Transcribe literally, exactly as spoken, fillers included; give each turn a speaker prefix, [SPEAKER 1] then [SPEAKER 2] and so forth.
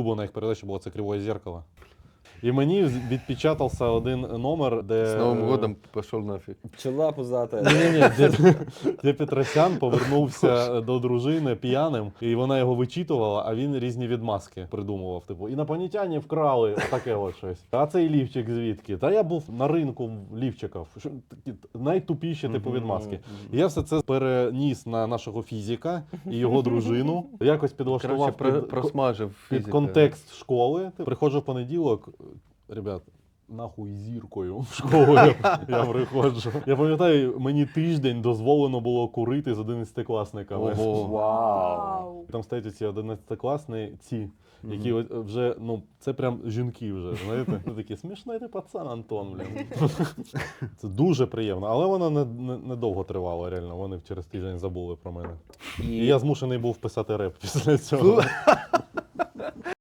[SPEAKER 1] улюблена їх передача була, це «Кривое зеркало». І мені відпечатався один номер, де...
[SPEAKER 2] С Новым годом пошел нафиг.
[SPEAKER 3] Пчела пузата.
[SPEAKER 1] Ні-ні-ні, де, де Петросян повернувся до дружини п'яним, і вона його вичитувала, а він різні відмазки придумував. Типу, інопланетяни вкрали, отаке от щось. А цей лівчик звідки? Та я був на ринку лівчиків. Що, такі найтупіші типу відмазки. І я все це переніс на нашого фізика і його дружину. Якось підлаштував
[SPEAKER 2] Короче, про,
[SPEAKER 1] під,
[SPEAKER 2] просмажив
[SPEAKER 1] під
[SPEAKER 2] физика.
[SPEAKER 1] контекст школи. Приходжу в понеділок, ребят, нахуй зіркою в школу я, я приходжу. Я пам'ятаю, мені тиждень дозволено було курити з одинадцятикласниками.
[SPEAKER 2] Ого.
[SPEAKER 3] Вау.
[SPEAKER 1] Там стоять ці одинадцятикласниці, які от вже, ну, це прям жінки вже, знаєте? Це такі, смішний ти пацан, Антон, блін. Це дуже приємно, але воно не, не, не довго тривало, реально. Вони через тиждень забули про мене. І
[SPEAKER 3] І
[SPEAKER 1] я змушений був писати реп після цього.